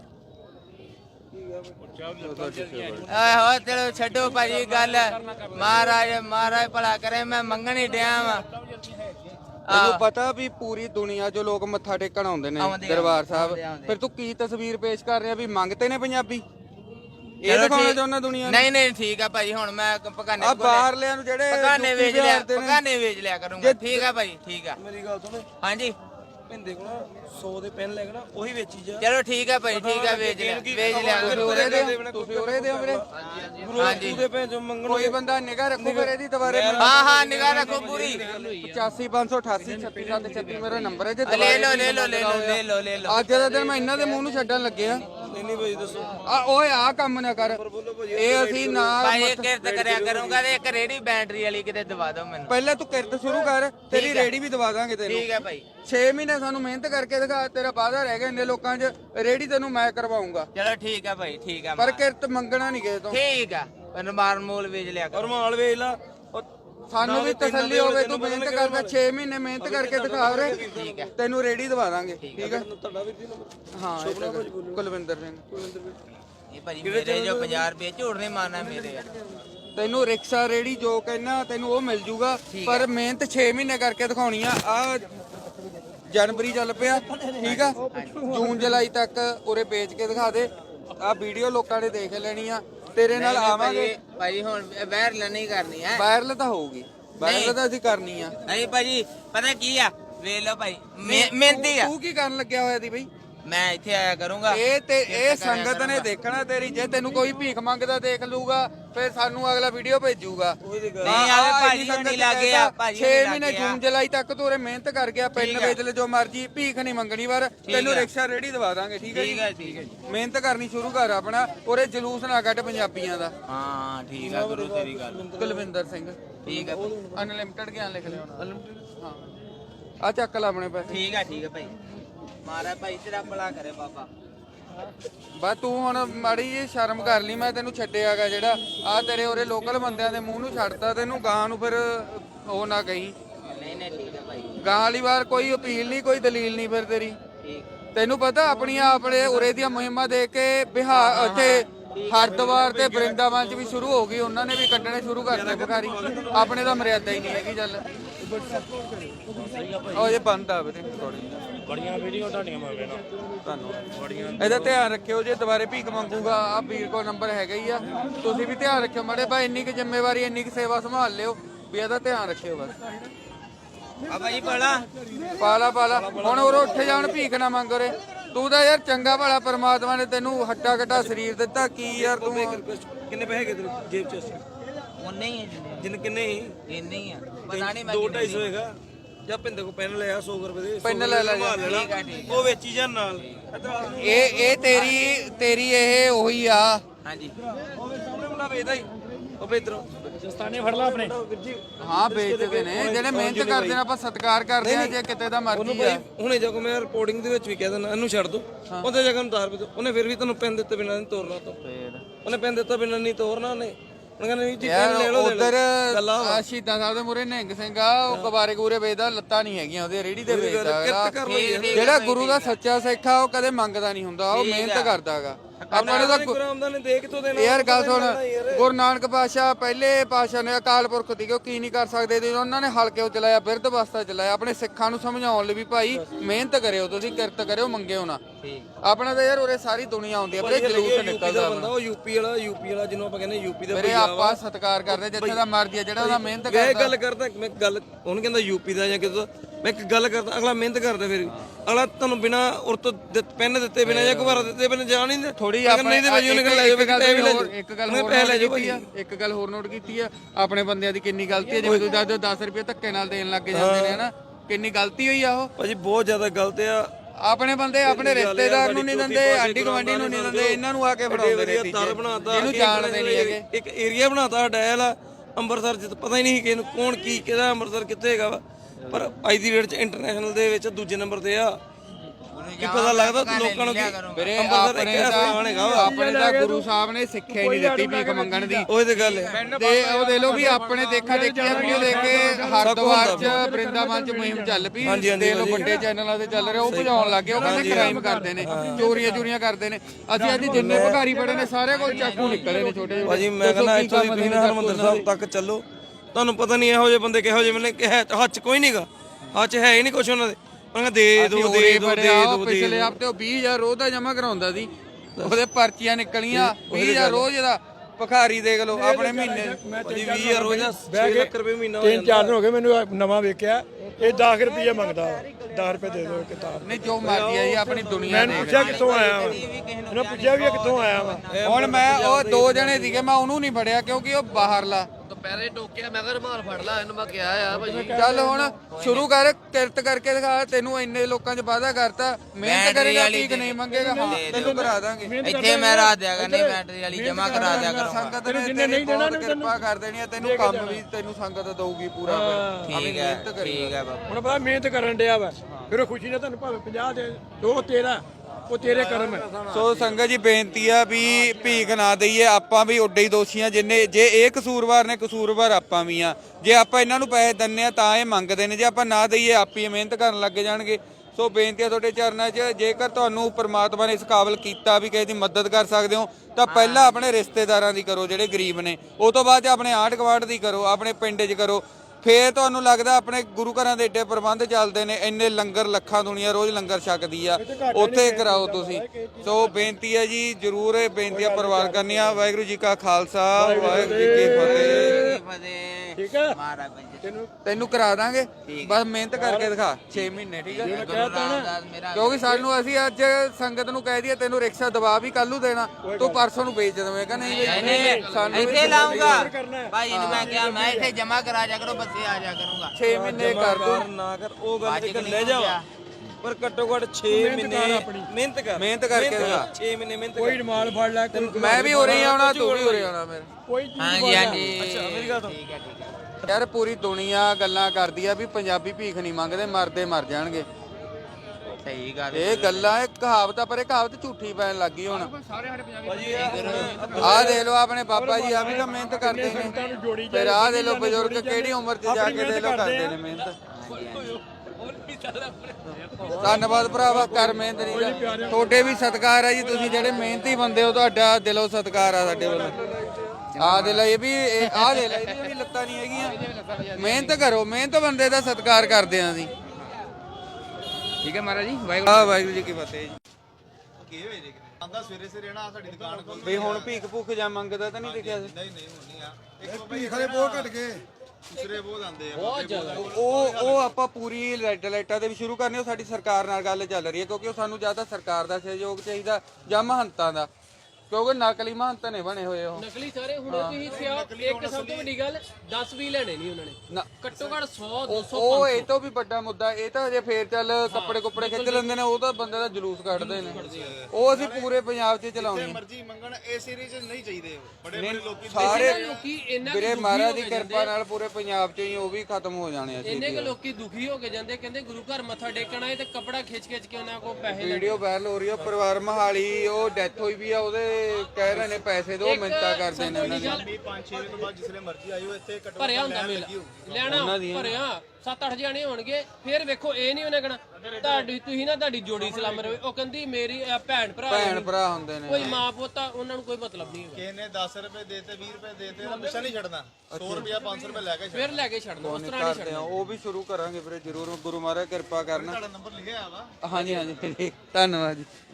S2: ਆਹੋ ਚਲੋ ਛੱਡੋ ਭਾਜੀ ਗੱਲ ਮਹਾਰਾਜ ਮਹਾਰਾਜ ਭਲਾ ਕਰੇ ਮੈਂ ਮੰਗਣੀ ਡਿਆ ਵਾਂ
S1: ਤੈਨੂੰ ਪਤਾ ਵੀ ਪੂਰੀ ਦੁਨੀਆ 'ਚ ਲੋਕ ਮੱਥਾ ਟੇਕਣ ਆਉਂਦੇ ਨੇ
S2: ਆਉਂਦੇ ਆ,
S1: ਦਰਬਾਰ
S2: ਆਉਂਦੇ ਆ,
S1: ਸਾਹਿਬ ਫਿਰ ਤੂੰ ਕੀ ਤਸਵੀਰ ਪੇਸ਼ ਕਰ ਰਿਹਾ ਵੀ ਮੰਗਤੇ ਨੇ ਪੰਜਾਬੀ ਇਹ
S2: ਚਲੋ
S1: ਦਿਖਾਉਣਾ
S2: ਠੀਕ-
S1: ਚਾਹੁੰਦਾ ਦੁਨੀਆ ਨੂੰ
S2: ਨਹੀਂ ਨਹੀਂ ਠੀਕ ਆ ਭਾਜੀ ਹੁਣ ਮੈਂ ਪਕਾਨੇ
S1: ਆ ਬਾਹਰਲਿਆਂ ਨੂੰ ਜਿਹੜੇ
S2: ਪਕਾਨੇ
S1: ਯੂਪੀ
S2: ਵੇਚ ਲਿਆ
S1: ਬਿਹਾਰ ਦੇ ਨੇ,
S2: ਪਕਾਨੇ ਵੇਚ ਲਿਆ ਕਰੂੰਗਾ
S1: ਜੇ-
S2: ਠੀਕ ਆ ਭਾਈ ਠੀਕ ਆ
S5: ਮੇਰੀ ਗੱਲ ਸੁਣ
S2: ਹਾਂਜੀ
S5: ਭਿੰਦੇ ਕੋਲ ਸੌ ਦੇ ਪੈਨ ਲੈ ਕੇ ਨਾ ਉਹੀ ਵੇਚੀ ਜਾ
S2: ਚਲੋ ਠੀਕ ਆ ਭਾਈ ਠੀਕ ਆ ਵੇਚ ਲਿਆ ਵੇਚ ਲਿਆ
S1: ਤੁਸੀਂ
S2: ਕਰੂੰਗਾ।
S1: ਉਰੇ ਦੇ ਹੋ? ਤੁਸੀਂ ਉਰੇ ਦੇ ਹੋ ਵੀਰੇ
S2: ਹਾਂਜੀ
S5: ਉਹਦੇ ਪੈਨ ਜੋ ਮੰਗਣ
S1: ਕੋਈ ਬੰਦਾ ਨਿਗਾਹ ਰੱਖੋ ਫਿਰ ਇਹਦੀ ਦੁਬਾਰੇ
S2: ਹਾਂ ਹਾਂ ਨਿਗਾਹ ਰੱਖੋ ਪੂਰੀ
S1: ਪਚਾਸੀ ਪੰਜ ਸੌ ਅਠਾਸੀ ਛੱਤੀ ਸੱਤ ਛੱਤੀ ਮੇਰਾ ਨੰਬਰ ਹੈ ਜੇ
S2: ਲੈ ਲਓ ਲੈ ਲਓ ਲੈ ਲਓ ਲੈ ਲਓ ਲੈ ਲਓ
S1: ਅੱਜ ਦਾ ਦਿਨ ਮੈਂ ਇਹਨਾਂ ਦੇ ਮੂੰਹ ਨੂੰ ਛੱਡਣ ਲੱਗਿਆ
S5: ਨਹੀਂ ਨਹੀਂ ਭਾਈ ਦੱਸੋ
S1: ਆ ਓਏ ਆ ਕੰਮ ਨਾ ਕਰ ਇਹ ਅਸੀਂ ਨਾ
S2: ਭਾਈ ਇਹ ਕਿਰਤ ਕਰਿਆ ਕਰੂੰਗਾ ਤੇ ਇੱਕ ਰੇੜੀ ਬੈਟਰੀ ਵਾਲੀ ਕਿਤੇ ਦਵਾ ਦਿਓ ਮੈਨੂੰ
S1: ਪਹਿਲਾਂ ਤੂੰ ਕਿਰਤ ਸ਼ੁਰੂ ਕਰ ਤੇਰੀ ਰੇੜੀ ਵੀ ਦਵਾ ਦਾਂਗੇ ਤੈਨੂੰ
S2: ਠੀਕ ਹੈ ਭਾਈ
S1: ਛੇ ਮਹੀਨੇ ਸਾਨੂੰ ਮਿਹਨਤ ਕਰਕੇ ਦਿਖਾ ਤੇਰਾ ਵਾਅਦਾ ਰਹਿ ਗਿਆ ਇੰਨੇ ਲੋਕਾਂ 'ਚ ਰੇੜੀ ਤੈਨੂੰ ਮੈਂ ਕਰਵਾਉਂਗਾ
S2: ਚਲੋ ਠੀਕ ਹੈ ਭਾਈ ਠੀਕ ਹੈ
S1: ਪਰ ਕਿਰਤ ਮੰਗਣਾ ਨਹੀਂ ਕਿਸੇ ਤੋਂ
S2: ਠੀਕ ਆ ਪਰ ਮਾਰ ਮੂਲ ਵੇਚ ਲਿਆ ਕਰ
S5: ਔਰ ਮਾਲ ਵੇਚ ਲਾ ਉਹ
S1: ਸਾਨੂੰ ਵੀ ਤਸੱਲੀ ਹੋਵੇ ਤੂੰ ਮਿਹਨਤ ਕਰਦਾ ਛੇ ਮਹੀਨੇ ਮਿਹਨਤ ਕਰਕੇ ਦਿਖਾ ਉਰੇ
S2: ਠੀਕ ਹੈ
S1: ਤੈਨੂੰ ਰੇੜੀ ਦਵਾ ਦਾਂਗੇ ਠੀਕ ਹੈ
S5: ਤੁਹਾਡਾ ਵੀਰ ਜੀ ਨੰਬਰ
S1: ਹਾਂ ਇਹ ਤਾਂ ਗੱਲ। ਕੁਲਵਿੰਦਰ ਸਿੰਘ
S2: ਇਹ ਭਾਜੀ ਮੇਰੇ ਜੋ ਪੰਜਾਹ ਰੁਪਏ ਝੂਠ ਨਹੀਂ ਮਾਰਨਾ ਮੇਰੇ ਆ।
S1: ਤੈਨੂੰ ਰਿਕਸ਼ਾ ਰੇੜੀ ਜੋ ਕਹਿਣਾ ਤੈਨੂੰ ਉਹ ਮਿਲ ਜੂਗਾ ਪਰ ਮਿਹਨਤ ਛੇ ਮਹੀਨੇ ਕਰਕੇ ਦਿਖਾਉਣੀ ਆ ਆ ਜਨਵਰੀ ਚੱਲ ਪਿਆ ਠੀਕ ਆ ਜੂਨ ਜੁਲਾਈ ਤੱਕ ਉਰੇ ਵੇਚ ਕੇ ਦਿਖਾ ਦੇ ਆ ਵੀਡੀਓ ਲੋਕਾਂ ਨੇ ਦੇਖ ਲੈਣੀ ਆ ਤੇਰੇ ਨਾਲ
S2: ਨਹੀਂ
S1: ਆਵਾਂਗੇ
S2: ਭਾਜੀ ਭਾਜੀ ਹੁਣ ਵਾਇਰਲ ਨਹੀਂ ਕਰਨੀ ਹੈ
S1: ਵਾਇਰਲ ਤਾਂ ਹੋਊਗੀ ਵਾਇਰਲ ਤਾਂ ਅਸੀਂ ਕਰਨੀ ਆ
S2: ਨਹੀਂ ਭਾਜੀ ਪਤਾ ਕੀ ਆ ਵੇਖ ਲਓ ਭਾਈ ਮਿਹ- ਮਿਹਨਤੀ ਆ
S1: ਤੂੰ ਕੀ ਕਰਨ ਲੱਗਿਆ ਹੋਇਆ ਦੀ ਬਈ
S2: ਮੈਂ ਇੱਥੇ ਆਇਆ ਕਰੂੰਗਾ।
S1: ਇਹ ਤੇ ਇਹ ਸੰਗਤ ਨੇ ਦੇਖਣਾ ਤੇਰੀ। ਜੇ ਤੈਨੂੰ ਕੋਈ ਭੀਖ ਮੰਗਦਾ ਦੇਖ ਲੂਗਾ ਫਿਰ ਸਾਨੂੰ ਅਗਲਾ ਵੀਡੀਓ ਭੇਜੂਗਾ।
S2: ਨਹੀਂ ਆਵੇ ਭਾਜੀ ਨਹੀਂ ਲੱਗੇ ਆ ਭਾਜੀ
S1: ਛੇ ਮਹੀਨੇ ਜੂਨ ਜੁਲਾਈ ਤੱਕ ਤੂੰ ਉਰੇ ਮਿਹਨਤ ਕਰ ਗਿਆ, ਪਿੰਨ ਵੇਚ ਲੈ ਜੋ ਮਰਜੀ, ਭੀਖ ਨਹੀਂ ਮੰਗਣੀ। ਵਾਰ ਤੈਨੂੰ ਰਿਕਸ਼ਾ ਰੇੜੀ ਦਵਾ ਦਾਂਗੇ। ਠੀਕ ਹੈ ਜੀ,
S2: ਠੀਕ ਹੈ ਠੀਕ ਹੈ ਜੀ।
S1: ਮਿਹਨਤ ਕਰਨੀ ਸ਼ੁਰੂ ਕਰ ਆਪਣਾ। ਉਰੇ ਜਲੂਸ ਨਾ ਕੱਢ ਪੰਜਾਬੀਆਂ ਦਾ।
S2: ਹਾਂ ਠੀਕ ਆ ਗੁਰੂ ਤੇਰੀ ਗੱਲ।
S1: ਕੁਲਵਿੰਦਰ ਸਿੰਘ
S2: ਠੀਕ ਹੈ
S1: ਅਨਲਿਮਟਿਡ ਗਿਆਨ ਲਿਖ ਲਿਆ ਅਨਲਿਮਟਿਡ। ਹਾਂ ਆ ਚੱਕ ਲੈ ਆਪਣੇ ਪੈਸੇ।
S2: ਠੀਕ ਹੈ ਠੀਕ ਹੈ ਭਾਈ। ਮਾਰਾ ਭਾਈ ਤੇਰਾ ਭਲਾ ਕਰੇ ਬਾਬਾ।
S1: ਬਸ ਤੂੰ ਹੁਣ ਮਾੜੀ ਜੀ ਸ਼ਰਮ ਕਰ ਲਈ। ਮੈਂ ਤੈਨੂੰ ਛੱਡਿਆਗਾ ਜਿਹੜਾ ਆ ਤੇਰੇ ਉਰੇ ਲੋਕਲ ਬੰਦਿਆਂ ਦੇ ਮੂੰਹ ਨੂੰ ਛੱਡਤਾ। ਤੈਨੂੰ ਗਾਂ ਨੂੰ ਫਿਰ ਉਹ ਨਾ ਕਹੀਂ।
S2: ਨਹੀਂ ਨਹੀਂ ਠੀਕ ਹੈ ਭਾਈ।
S1: ਗਾਂ ਵਾਲੀ ਵਾਰ ਕੋਈ ਅਪੀਲ ਨਹੀਂ, ਕੋਈ ਦਲੀਲ ਨਹੀਂ ਫਿਰ ਤੇਰੀ।
S2: ਠੀਕ
S1: ਤੈਨੂੰ ਪਤਾ ਆਪਣੀਆਂ ਆਪਣੇ ਉਰੇ ਦੀਆਂ ਮੁਹਿੰਮਾਂ ਦੇਖ ਕੇ ਬਿਹਾਰ ਉੱਥੇ ਹਰਿਦੁਆਰ ਤੇ ਬ੍ਰਿੰਦਾਵਨ ਚ ਵੀ ਸ਼ੁਰੂ ਹੋ ਗਈ। ਉਹਨਾਂ ਨੇ ਵੀ ਕੱਢਣੇ ਸ਼ੁਰੂ ਕਰਤੇ ਭਿਖਾਰੀ। ਆਪਣੇ ਤਾਂ ਮਰਿਆਦਾ ਹੀ ਨਹੀਂ ਹੈਗੀ। ਚੱਲ ਉਹ ਜੇ ਬੰਦ ਆ ਵੀਰੇ ਥੋੜੀ
S5: ਬੜੀਆਂ ਵੀਡੀਓ ਤੁਹਾਡੀਆਂ ਮੈਂ ਵੇਖਣਾ।
S1: ਧੰਨਵਾਦ। ਬੜੀਆਂ ਇਹਦਾ ਧਿਆਨ ਰੱਖਿਓ। ਜੇ ਦੁਬਾਰੇ ਭੀਖ ਮੰਗੂਗਾ ਆ ਵੀਰ ਕੋਲ ਨੰਬਰ ਹੈਗਾ ਹੀ ਆ। ਤੁਸੀਂ ਵੀ ਧਿਆਨ ਰੱਖਿਓ ਮਾੜੇ ਭਾਈ। ਇੰਨੀ ਕੁ ਜ਼ਿੰਮੇਵਾਰੀ, ਇੰਨੀ ਕੁ ਸੇਵਾ ਸੰਭਾਲ ਲਿਓ ਵੀ ਇਹਦਾ ਧਿਆਨ ਰੱਖਿਓ ਬਸ।
S2: ਆ ਭਾਈ ਭਲਾ
S1: ਪਾਲਾ ਪਾਲਾ ਹੁਣ ਉਹ ਉੱਠ ਜਾਣ, ਭੀਖ ਨਾ ਮੰਗ ਰੇ। ਤੂੰ ਤਾਂ ਯਾਰ ਚੰਗਾ ਭਲਾ ਪਰਮਾਤਮਾ ਨੇ ਤੈਨੂੰ ਹੱਟਾ ਕੱਟਾ ਸਰੀਰ ਦਿੱਤਾ। ਕੀ ਯਾਰ ਤੂੰ
S5: ਕਿੰਨੇ ਪੈਸੇ ਹੈਗੇ ਤੇਰੇ ਜੇਬ 'ਚ?
S2: ਉਹਨੇ ਹੀ ਹੈ ਜਿੰਨੇ
S5: ਜਿੰਨ ਕਿੰਨੇ ਹੀ?
S2: ਇੰਨੇ ਹੀ ਆ। ਪਤਾ ਨਹੀਂ ਮੈਂ
S5: ਦੋ ਢਾਈ ਸੌ ਹੈਗਾ ਜਾਂ ਪਿੰਦੇ ਕੋ ਪੈਨ ਲਿਆ ਸੌ ਰੁਪਏ ਦੇ।
S1: ਪੈਨ ਲੈ ਲੈ ਜਾ।
S2: ਠੀਕ ਆ ਠੀਕ
S5: ਉਹ ਵੇਚੀ ਜਾਂ ਨਾਲ
S1: ਇਹ ਇਹ ਤੇਰੀ ਤੇਰੀ ਇਹ ਉਹੀ ਆ।
S2: ਹਾਂਜੀ
S5: ਉਹ ਸਾਹਮਣੇ ਮੁੰਡਾ ਵੇਚਦਾ ਹੀ। ਉਹ ਵੇਚਰੋ ਜਸਤਾਨੇ ਫੜ ਲਾ ਆਪਣੇ
S1: ਹਾਂ ਵੇਚਦੇ ਨੇ ਜਿਹੜੇ ਮਿਹਨਤ ਕਰਦੇ ਨੇ। ਆਪਾਂ ਸਤਿਕਾਰ ਕਰਦੇ ਆ। ਜੇ ਕਿਤੇ ਦਾ ਮਰਜ਼ੀ ਆ।
S5: ਹੁਣੇ ਜਾ ਮੈਂ ਰਿਪੋਰਟਿੰਗ ਦੇ ਵਿੱਚ ਵੀ ਕਹਿ ਦਿੰਦਾ ਇਹਨੂੰ ਛੱਡ ਦੋ। ਉਹਦੇ ਜਗ੍ਹਾ ਨੂੰ ਤਾਰ ਵੀ ਦੋ। ਉਹਨੇ ਫਿਰ ਵੀ ਤੁਹਾਨੂੰ ਪੈਨ ਦਿੱਤੇ ਬਿਨਾਂ ਨਹੀਂ ਤੋਰਨਾ। ਤੋਂ ਉਹਨੇ ਪੈਨ ਦਿੱਤਾ ਬਿਨਾਂ ਨਹੀਂ ਤੋਰਨਾ। ਉਹਨੇ
S1: ਯਾਰ ਉਧਰ ਸ਼ਹੀਦਾਂ ਸਾਹਿਬ ਦੇ ਮੂਹਰੇ ਨਿਹੰਗ ਸਿੰਘ ਆ। ਉਹ ਗਵਾਰੇ ਗੂਰੇ ਵੇਚਦਾ, ਲੱਤਾਂ ਨਹੀਂ ਹੈਗੀਆਂ ਉਹਦੇ, ਰੇੜੀ ਤੇ ਵੇਚਦਾ। ਜਿਹੜਾ ਗੁਰੂ ਦਾ ਸੱਚਾ ਸਿੱਖ ਆ ਉਹ ਕਦੇ ਮੰਗਦਾ ਨਹੀਂ ਹੁੰਦਾ। ਉਹ ਮਿਹਨਤ ਕਰਦਾਗਾ। ਆਪਣੇ ਦਾ ਯਾਰ ਗੱਲ ਸੁਣ, ਗੁਰੂ ਨਾਨਕ ਪਾਤਸ਼ਾਹ ਪਹਿਲੇ ਪਾਤਸ਼ਾਹ ਨੇ ਅਕਾਲ ਪੁਰਖ ਦੀ ਉਹ ਕੀ ਨਹੀਂ ਕਰ ਸਕਦੇ ਤੇ ਉਹਨਾਂ ਨੇ ਹਲਕੇ ਉਹ ਚਲਾਇਆ, ਬਿਰਧ ਅਵਸਥਾ ਚਲਾਇਆ। ਆਪਣੇ ਸਿੱਖਾਂ ਨੂੰ ਸਮਝਾਉਣ ਲਈ ਵੀ ਭਾਈ ਮਿਹਨਤ ਕਰਿਓ, ਤੁਸੀਂ ਕਿਰਤ ਕਰਿਓ, ਮੰਗਿਓ ਨਾ। ਆਪਣਾ ਤਾਂ ਯਾਰ ਉਰੇ ਸਾਰੀ ਦੁਨੀਆ ਆਉਂਦੀ ਆ, ਵੀਰੇ ਜਲੂਸ ਨਿਕਲਦਾ
S5: ਬੰਦਾ। ਉਹ ਯੂਪੀ ਵਾਲਾ ਯੂਪੀ ਵਾਲਾ ਜਿਹਨੂੰ ਆਪਾਂ ਕਹਿੰਦੇ ਯੂਪੀ ਦਾ
S1: ਵੀਰੇ ਆਪਾਂ ਸਤਿਕਾਰ ਕਰਦੇ ਜਿੱਥੇ ਦਾ ਮਰਜ਼ੀ ਆ। ਜਿਹੜਾ ਉਹਦਾ ਮਿਹਨਤ ਕਰਦਾ।
S5: ਇਹ ਗੱਲ ਕਰਦਾ ਮੈਂ ਗੱਲ ਉਹਨੂੰ ਕਹਿੰਦਾ ਯੂਪੀ ਦਾ ਜਾਂ ਕਿਤੋਂ। ਮੈਂ ਇੱਕ ਗੱਲ ਕਰਦਾ, ਅਗਲਾ ਮਿਹਨਤ ਕਰਦਾ ਫਿਰ ਅਗਲਾ ਤੁਹਾਨੂੰ ਬਿਨਾ ਉਰਤ ਪੈਨ ਦਿੱਤੇ ਬਿਨਾ ਜਾਂ ਗੁਬਾਰਾ ਦਿੱਤੇ ਬਿਨਾ ਜਾਣ ਨਹੀਂ ਥੋੜੀ
S1: ਆਪਣੇ ਇੱਕ ਗੱਲ ਹੋਰ ਨੋਟ ਕੀਤੀ ਆ ਇੱਕ ਗੱਲ ਹੋਰ ਨੋਟ ਕੀਤੀ ਆ ਆਪਣੇ ਬੰਦਿਆਂ ਦੀ ਕਿੰਨੀ ਗਲਤੀ ਹੈ। ਜਿਵੇਂ ਤੁਸੀਂ ਦੱਸਦੇ ਹੋ ਦਸ ਰੁਪਏ ਧੱਕੇ ਨਾਲ ਦੇਣ ਲੱਗ ਜਾਂਦੇ ਨੇ ਹਨਾ, ਕਿੰਨੀ ਗਲਤੀ ਹੋਈ ਆ ਉਹ
S5: ਭਾਜੀ। ਬਹੁਤ ਜ਼ਿਆਦਾ ਗਲਤ ਆ।
S1: ਆਪਣੇ ਬੰਦੇ ਆਪਣੇ ਰਿਸ਼ਤੇਦਾਰ ਨੂੰ ਨਹੀਂ ਦਿੰਦੇ, ਆਂਢੀ ਗੁਆਂਢੀ ਨੂੰ ਨਹੀਂ ਦਿੰਦੇ, ਇਹਨਾਂ ਨੂੰ ਆ ਕੇ ਫੜਾਉਂਦੇ ਨੇ।
S5: ਦਰ ਬਣਾਤਾ,
S1: ਇਹਨੂੰ ਜਾਣਦੇ ਨਹੀਂ ਹੈਗੇ।
S5: ਇੱਕ ਏਰੀਆ ਬਣਾਤਾ ਡੈਲ ਆ ਅੰਮ੍ਰਿਤਸਰ ਚ। ਪਤਾ ਹੀ ਨਹੀਂ ਕਿ ਕੌਣ ਕੀ ਕਿਹਦਾ ਅੰਮ੍ਰਿਤਸਰ ਕਿੱਥੇ ਹੈਗਾ ਵਾ। ਪਰ ਅੱਜ ਦੀ ਡੇਟ ਚ ਇੰਟਰਨੈਸ਼ਨਲ ਦੇ ਵਿੱਚ ਦੂਜੇ ਨੰਬਰ ਤੇ ਆ। ਕੀ ਪਤਾ ਲੱਗਦਾ ਲੋਕਾਂ ਨੂੰ
S1: ਵੀਰੇ ਆਪਣੇ ਦਾ ਆਪਣੇ ਦਾ ਗੁਰੂ ਸਾਹਿਬ ਨੇ ਸਿੱਖਿਆ ਹੀ ਨਹੀਂ ਦਿੱਤੀ ਭੀਖ ਮੰਗਣ ਦੀ।
S5: ਉਹ ਤੇ ਗੱਲ ਹੈ।
S1: ਤੇ ਉਹ ਦੇ ਲੋ ਵੀ ਆਪਣੇ ਦੇਖਾ ਦੇਖਿਆ ਵੀਡੀਓ ਦੇਖ ਕੇ ਹਰਿਦੁਆਰ ਚ ਬ੍ਰਿੰਦਾਵਨ ਚ ਮੁਹਿੰਮ ਚੱਲ ਪਈ। ਦੇ ਲੋ ਵੱਡੇ ਚੈਨਲਾਂ ਤੇ ਚੱਲ ਰਿਹਾ। ਉਹ ਭਜਾਉਣ ਲੱਗ ਗਏ। ਉਹ ਕਹਿੰਦੇ ਕ੍ਰਾਈਮ ਕਰਦੇ ਨੇ, ਚੋਰੀਆਂ ਚੋਰੀਆਂ ਕਰਦੇ ਨੇ। ਅਸੀਂ ਅੱਜ ਜਿੰਨੇ ਭਿਖਾਰੀ ਫੜੇ ਨੇ ਸਾਰੇ ਕੋਲ ਚਾਕੂ ਨਿਕਲੇ ਨੇ ਛੋਟੇ।
S5: ਭਾਜੀ ਮੈਂ ਕਹਿੰਦਾ ਇੱਥੋਂ ਦੀ ਤੁਸੀਂ ਨਾ ਹਰਮੰਦਰ ਸਾਹਿਬ ਤੱਕ ਚੱਲੋ, ਤੁਹਾਨੂੰ ਪਤਾ ਨਹੀਂ ਇਹੋ ਜਿਹੇ ਬੰਦੇ ਕਿਹੋ ਜਿਹੇ ਮਿਲਣੇ। ਹੱਥ 'ਚ ਕੋਈ ਨਹੀਂਗਾ, ਹੱਥ 'ਚ ਹੈ ਹੀ ਨਹੀਂ ਕੁਛ ਉਹਨਾਂ ਦੇ। ਉਹਨਾਂ ਦੇ ਦੋ ਦੇ ਦੋ ਦੇ ਦੋ।
S1: ਪਿਛਲੇ ਹਫ਼ਤੇ ਉਹ ਵੀਹ ਹਜ਼ਾਰ ਰੋਜ਼ ਦਾ ਜਮਾ ਕਰਾਉਂਦਾ ਸੀ। ਉਹਦੇ ਪਰਚੀਆਂ ਨਿਕਲੀਆਂ ਵੀਹ ਹਜ਼ਾਰ ਰੋਜ਼ ਦਾ। ਭਿਖਾਰੀ ਦੇਖ ਲਓ ਆਪਣੇ ਮਹੀਨੇ
S5: ਭਾਜੀ ਵੀਹ ਹਜ਼ਾਰ ਰੋਜ਼ ਦਾ ਛੇ ਲੱਖ ਰੁਪਏ ਮਹੀਨਾ।
S6: ਤਿੰਨ ਚਾਰ ਦਿਨ ਹੋ ਗਏ ਮੈਨੂੰ ਨਵਾਂ ਵੇਖਿਆ। ਇਹ ਦਸ ਰੁਪਏ ਮੰਗਦਾ, ਦਸ ਰੁਪਏ ਦੇ ਦਿਓ ਕਿਤਾਬ।
S1: ਨਹੀਂ ਜੋ ਮਰਜ਼ੀ ਆ ਜੀ ਆਪਣੀ ਦੁਨੀਆ
S6: ਮੈਨੂੰ ਪੁੱਛਿਆ ਕਿੱਥੋਂ ਆਇਆ ਵਾ, ਇਹਨੂੰ ਪੁੱਛਿਆ ਵੀ ਕਿੱਥੋਂ ਆਇਆ ਵਾ।
S1: ਹੁਣ ਮੈਂ ਉਹ ਦੋ ਜਣੇ ਸੀਗੇ, ਮੈਂ ਉਹਨੂੰ ਨਹੀਂ ਫੜਿਆ ਕਿਉਂਕਿ ਉਹ ਬਾਹਰਲਾ।
S3: ਦੁਪਹਿਰੇ ਟੋਕਿਆ, ਮੈਂ ਕਿਹਾ ਰੁਮਾਲ ਫੜ ਲਾ ਇਹਨੂੰ। ਮੈਂ ਕਿਹਾ ਆ ਭਾਜੀ
S1: ਚੱਲ ਹੁਣ ਸ਼ੁਰੂ ਕਰ, ਕਿਰਤ ਕਰਕੇ ਦਿਖਾ। ਤੈਨੂੰ ਇੰਨੇ ਲੋਕਾਂ 'ਚ ਵਾਅਦਾ ਕਰਤਾ, ਮਿਹਨਤ ਕਰੇਗਾ ਭੀਖ ਨਹੀਂ ਮੰਗੇਗਾ। ਹਾਂ ਤੈਨੂੰ ਕਰਾ ਦਾਂਗੇ।
S2: ਇੱਥੇ ਮੈਂ ਰਾਤ ਦਿਆਗਾ ਨਹੀਂ ਬੈਟਰੀ ਵਾਲੀ ਜਮਾ ਕਰਾ ਦਿਆ ਕਰੋ।
S1: ਸੰਗਤ ਨੇ ਤੇਰੀ ਬਹੁਤ ਕਿਰਪਾ ਕਰ ਦੇਣੀ ਆ। ਤੈਨੂੰ ਕੰਮ ਵੀ ਤੈਨੂੰ ਸੰਗਤ ਦਊਗੀ ਪੂਰਾ।
S2: ਠੀਕ ਹੈ ਠੀਕ ਹੈ ਬਾਬਾ।
S6: ਹੁਣ ਪਤਾ ਮਿਹਨਤ ਕਰਨ ਡਿਆ ਵਾ, ਫਿਰ ਉਹ ਖੁਸ਼ੀ ਨਾਲ ਤੁਹਾਨੂੰ ਭਾਵੇਂ ਪੰਜਾਹ ਦੇ ਦੋ ਤੇਰਾ ਉਹ ਤੇਰੇ ਕਰਮ ਹੈ।
S1: ਸੋ ਸੰਗਤ ਜੀ ਬੇਨਤੀ ਆ ਵੀ ਭੀਖ ਨਾ ਦਈਏ। ਆਪਾਂ ਵੀ ਉੱਡੇ ਹੀ ਦੋਸ਼ੀ ਆ। ਜਿੰਨੇ ਜੇ ਇਹ ਕਸੂਰਵਾਰ ਨੇ, ਕਸੂਰਵਾਰ ਆਪਾਂ ਵੀ ਆ। ਜੇ ਆਪਾਂ ਇਹਨਾਂ ਨੂੰ ਪੈਸੇ ਦਿੰਨੇ ਆ ਤਾਂ ਇਹ ਮੰਗਦੇ ਨੇ, ਜੇ ਆਪਾਂ ਨਾ ਦਈਏ ਆਪ ਹੀ ਮਿਹਨਤ ਕਰਨ ਲੱਗ ਜਾਣਗੇ। ਸੋ ਬੇਨਤੀ ਆ ਤੁਹਾਡੇ ਚਰਨਾਂ 'ਚ, ਜੇਕਰ ਤੁਹਾਨੂੰ ਪ੍ਰਮਾਤਮਾ ਨੇ ਇਸ ਕਾਬਲ ਕੀਤਾ ਵੀ ਕਿਸੇ ਦੀ ਮਦਦ ਕਰ ਸਕਦੇ ਹੋ ਤਾਂ ਪਹਿਲਾਂ ਆਪਣੇ ਰਿਸ਼ਤੇਦਾਰਾਂ ਦੀ ਕਰੋ ਜਿਹੜੇ ਗਰੀਬ ਨੇ, ਉਹ ਤੋਂ ਬਾਅਦ 'ਚ ਆਪਣੇ ਆਂਢ ਗੁਆਂਢ ਦੀ ਕਰੋ, ਆਪਣੇ ਪਿੰਡ 'ਚ ਕਰੋ। ਫੇਰ ਤੁਹਾਨੂੰ ਲੱਗਦਾ ਆਪਣੇ ਗੁਰੂ ਘਰਾਂ ਦੇ ਏਡੇ ਪ੍ਰਬੰਧ ਚੱਲਦੇ ਨੇ, ਇੰਨੇ ਲੰਗਰ, ਲੱਖਾਂ ਦੁਨੀਆ ਰੋਜ਼ ਲੰਗਰ ਛਕਦੀ ਆ, ਉੱਥੇ ਕਰਾਓ ਤੁਸੀਂ। ਸੋ ਬੇਨਤੀ ਹੈ ਜੀ, ਜ਼ਰੂਰ ਇਹ ਬੇਨਤੀਆਂ ਪਰਿਵਾਰ ਕਰਨੀਆਂ। ਵਾਹਿਗੁਰੂ ਜੀ ਕਾ ਖਾਲਸਾ, ਵਾਹਿਗੁਰੂ ਜੀ ਕੀ ਫਤਿਹ।
S2: ਠੀਕ ਹੈ।
S1: ਤੈਨੂੰ ਕਰਾ ਦਾਂਗੇ ਬਸ ਮਿਹਨਤ ਕਰਕੇ ਦਿਖਾ ਛੇ ਮਹੀਨੇ ਠੀਕ ਹੈ ਕਿਉਂਕਿ ਸਾਨੂੰ ਅਸੀਂ ਅੱਜ ਸੰਗਤ ਨੂੰ ਕਹਿ ਦਈਏ ਤੈਨੂੰ ਰਿਕਸ਼ਾ ਦਵਾ ਵੀ ਕੱਲ ਨੂੰ ਦੇਣਾ ਤੂੰ ਪਰਸੋਂ ਨੂੰ ਵੇਚ ਦੇਵੇਂਗਾ ਨਹੀਂ ਵੇਚ ਸਾਨੂੰ
S2: ਇੱਥੇ ਲਾਉਂਗਾ ਭਾਈ ਨੂੰ ਮੈਂ ਕਿਹਾ ਮੈਂ ਇੱਥੇ ਜਮਾ ਕਰਾ ਜਾ ਕਰੋ ਬੱਸੇ ਆ ਜਾ ਕਰੂੰਗਾ
S1: ਛੇ ਮਹੀਨੇ ਕਰ ਦੂੰ
S5: ਨਾ ਕਰ ਉਹ ਗੱਲ ਤੇ ਲੈ ਜਾ ਪਰ ਘੱਟੋ ਘੱਟ ਛੇ ਮਹੀਨੇ ਮਿਹਨਤ ਕਰ
S1: ਮਿਹਨਤ ਕਰਕੇ ਦਿਖਾ
S5: ਛੇ ਮਹੀਨੇ ਮਿਹਨਤ
S6: ਕੋਈ ਰਮਾਲ ਫੜ ਲੈ ਕੋਈ
S1: ਮੈਂ ਵੀ ਉਰੇ ਆਉਣਾ ਤੂੰ ਵੀ ਉਰੇ ਆਉਣਾ ਮੇਰੇ
S6: ਕੋਈ ਚੀਜ਼
S2: ਹਾਂਜੀ ਹਾਂਜੀ
S5: ਅੱਛਾ ਮੇਰੀ ਗੱਲ ਸੁਣ
S2: ਠੀਕ ਹੈ ਠੀਕ ਹੈ
S1: ਯਾਰ ਪੂਰੀ ਦੁਨੀਆ ਗੱਲਾਂ ਕਰਦੀ ਆ ਵੀ ਪੰਜਾਬੀ ਭੀਖ ਨਹੀਂ ਮੰਗਦੇ ਮਰਦੇ ਮਰ ਜਾਣਗੇ
S2: ਸਹੀ ਗੱਲ
S1: ਇਹ ਗੱਲਾਂ ਇਹ ਕਹਾਵਤਾਂ ਪਰ ਇਹ ਕਹਾਵਤ ਝੂਠੀ ਪੈਣ ਲੱਗੀ ਹੁਣ
S5: ਭਾਜੀ
S1: ਆਹ ਦੇ ਲੋ ਆਪਣੇ ਬਾਬਾ ਜੀ ਆ ਵੀ ਤਾਂ ਮਿਹਨਤ ਕਰਦੇ ਨੇ ਫਿਰ ਆਹ ਦੇ ਲੋ ਬਜ਼ੁਰਗ ਕਿਹੜੀ ਉਮਰ 'ਚ ਜਾ ਕੇ ਦੇ ਲੋ ਕਰਦੇ ਨੇ ਮਿਹਨਤ ਧੰਨਵਾਦ ਭਰਾਵਾ ਕਰ ਮਿਹਨਤ ਨਹੀਂ ਤੁਹਾਡੇ ਵੀ ਸਤਿਕਾਰ ਹੈ ਜੀ ਤੁਸੀਂ ਜਿਹੜੇ ਮਿਹਨਤੀ ਬੰਦੇ ਹੋ ਤੁਹਾਡਾ ਦਿਲੋਂ ਸਤਿਕਾਰ ਆ ਸਾਡੇ ਵੱਲੋਂ ਆਹ ਦੇ ਲੋ ਇਹ ਵੀ ਆਹ ਦੇ ਲੋ ਇਹਦੀਆਂ ਵੀ ਲੱਤਾਂ ਨਹੀਂ ਹੈਗੀਆਂ ਮਿਹਨਤ ਕਰੋ ਮਿਹਨਤ ਬੰਦੇ ਦਾ ਸਤਿਕਾਰ ਕਰਦੇ ਆਂ ਅਸੀਂ
S2: ਠੀਕ ਹੈ ਮਹਾਰਾਜ ਜੀ
S1: ਆ ਵਾਹਿਗੁਰੂ ਜੀ ਕੀ ਫਤਿਹ ਜੀ
S4: ਕੀ ਹੋਏ ਜੀ ਆਂਦਾ ਸਵੇਰੇ ਸਵੇਰੇ ਨਾ ਸਾਡੀ ਦੁਕਾਨ ਖੋਲ
S1: ਵੀ ਹੁਣ ਭੀਖ ਭੁੱਖ ਜਾਂ ਮੰਗਦਾ ਤਾਂ ਨਹੀਂ ਦਿਖਿਆ ਸੀ
S4: ਨਹੀਂ ਨਹੀਂ ਹੁਣ ਨਹੀਂ ਆ ਇੱਕ ਭੀਖ ਵਾਲੇ ਬਹੁਤ ਘਟ ਗਏ ਦੂਸਰੇ ਬਹੁਤ ਆਂਦੇ ਆ
S3: ਬਹੁਤ ਜ਼ਿਆਦਾ
S1: ਉਹ ਉਹ ਆਪਾਂ ਪੂਰੀ ਰੈੱਡ ਲਾਈਟਾਂ ਦੇ ਵੀ ਸ਼ੁਰੂ ਕਰਨੀ ਉਹ ਸਾਡੀ ਸਰਕਾਰ ਨਾਲ ਗੱਲ ਚੱਲ ਰਹੀ ਹੈ ਕਿਉਂਕਿ ਉਹ ਸਾਨੂੰ ਜ਼ਿਆਦਾ ਸਰਕਾਰ ਦਾ ਸਹਿਯੋਗ ਚਾਹੀਦਾ ਜਾਂ ਮਹੰਤਾਂ ਦਾ ਕਿਉਂਕਿ ਨਕਲੀ ਮਹੰਤ ਨੇ ਬਣੇ ਹੋਏ ਉਹ
S3: ਨਕਲੀ ਸਾਰੇ ਹੁਣ ਤੁਸੀਂ ਸਿਆ ਇੱਕ ਸਭ ਤੋਂ ਵੱਡੀ ਗੱਲ ਦਸ ਵੀਹ ਲੈਣੇ ਨਹੀਂ ਉਹਨਾਂ ਨੇ
S1: ਨਾ-
S3: ਘੱਟੋ ਘੱਟ ਸੌ ਦੋ ਸੌ
S1: ਉਹ ਇਹ ਤੋਂ ਵੀ ਵੱਡਾ ਮੁੱਦਾ ਇਹ ਤਾਂ ਹਜੇ ਫੇਰ ਚੱਲ ਕੱਪੜੇ ਕੁੱਪੜੇ ਖਿੱਚ ਲੈਂਦੇ ਨੇ ਉਹ ਤਾਂ ਬੰਦੇ ਦਾ ਜਲੂਸ ਕੱਢਦੇ ਨੇ ਉਹ ਅਸੀਂ ਪੂਰੇ ਪੰਜਾਬ 'ਚ ਚਲਾਉਣੀ ਹੈ।
S4: ਮਰਜ਼ੀ ਮੰਗਣ ਇਹ ਸੀਰੀਜ਼ ਨਹੀਂ ਚਾਹੀਦੇ ਬੜੇ ਬੜੇ ਲੋਕੀ
S1: ਸਾਰੇ
S3: ਲੋਕੀ ਇੰਨਾ
S1: ਵੀਰੇ ਮਹਾਰਾਜ ਦੀ ਕਿਰਪਾ ਨਾਲ ਪੂਰੇ ਪੰਜਾਬ 'ਚ ਹੀ ਉਹ ਵੀ ਖਤਮ ਹੋ ਜਾਣੇ ਆ
S3: ਇੰਨੇ ਕੁ ਲੋਕੀ ਦੁਖੀ ਹੋ ਕੇ ਜਾਂਦੇ ਕਹਿੰਦੇ ਗੁਰੂ ਘਰ ਮੱਥਾ ਟੇਕਣਾ ਹੈ ਤੇ ਕੱਪੜਾ ਖਿੱਚ ਖਿੱਚ ਕੇ ਉਹਨਾਂ ਕੋਲ ਪੈਸੇ ਲੈ
S1: ਵੀਡੀਓ ਵਾਇਰਲ ਹੋ ਰਹੀ ਹੈ ਪਰਿਵਾਰ ਮਹਾਲੀ ਉਹ ਡੈਥ ਹੋਈ ਵੀ ਆ ਉਹਦੇ ਕਹਿ ਰਹੇ ਨੇ ਪੈਸੇ ਦੋ ਮਿੰਟਾਂ ਕਰਦੇ ਨੇ ਉਹਨਾਂ ਦੀ
S4: ਪੰਜ ਛੇ ਦਿਨ ਬਾਅਦ ਜਿਸਲੇ ਮਰਜ਼ੀ ਆਇਓ ਇੱਥੇ ਘੱਟੋ
S3: ਭਰਿਆ ਹੁੰਦਾ ਮੇਲਾ ਲੈਣਾ ਭਰਿਆ ਸੱਤ ਅੱਠ ਜਾਣੇ ਹੋਣਗੇ ਫਿਰ ਵੇਖੋ ਇਹ ਨਹੀਂ ਉਹਨੇ ਕਹਣਾ ਤੁਹਾਡੀ ਤੁਸੀਂ ਨਾ ਤੁਹਾਡੀ ਜੋੜੀ ਸਲਾਮ ਰਵੇ ਉਹ ਕਹਿੰਦੀ ਮੇਰੀ ਅਹ, ਭੈਣ ਭਰਾ
S1: ਭੈਣ ਭਰਾ ਹੁੰਦੇ ਨੇ
S3: ਕੋਈ ਮਾਂ ਪੋਤਾ ਉਹਨਾਂ ਨੂੰ ਕੋਈ ਮਤਲਬ ਨਹੀਂ ਹੈਗਾ
S4: ਕਿਸੇ ਨੇ ਦਸ ਰੁਪਏ ਦੇਤੇ ਵੀਹ ਰੁਪਏ ਦੇਤੇ ਉਹ ਪਿੱਛਾ ਨਹੀਂ ਛੱਡਣਾ ਸੌ ਰੁਪਿਆ ਪੰਜ ਸੌ ਰੁਪਏ ਲੈ ਕੇ ਛੱਡਣਾ।
S3: ਫਿਰ ਲੈ ਕੇ ਛੱਡਣਾ ਉਸ ਤਰ੍ਹਾਂ ਨਹੀਂ
S1: ਕਰਦੇ ਆ ਉਹ ਵੀ ਸ਼ੁਰੂ ਕਰਾਂਗੇ ਵੀਰੇ ਜਰੂਰ ਗੁਰੂ ਮਹਾਰਾਜ ਕਿਰਪਾ ਕਰਨਾ
S4: ਤੁਹਾਡਾ ਨੰਬਰ ਲਿਖਿਆ ਵਾ
S1: ਹਾਂਜੀ ਹਾਂਜੀ ਧੰਨਵਾਦ ਜੀ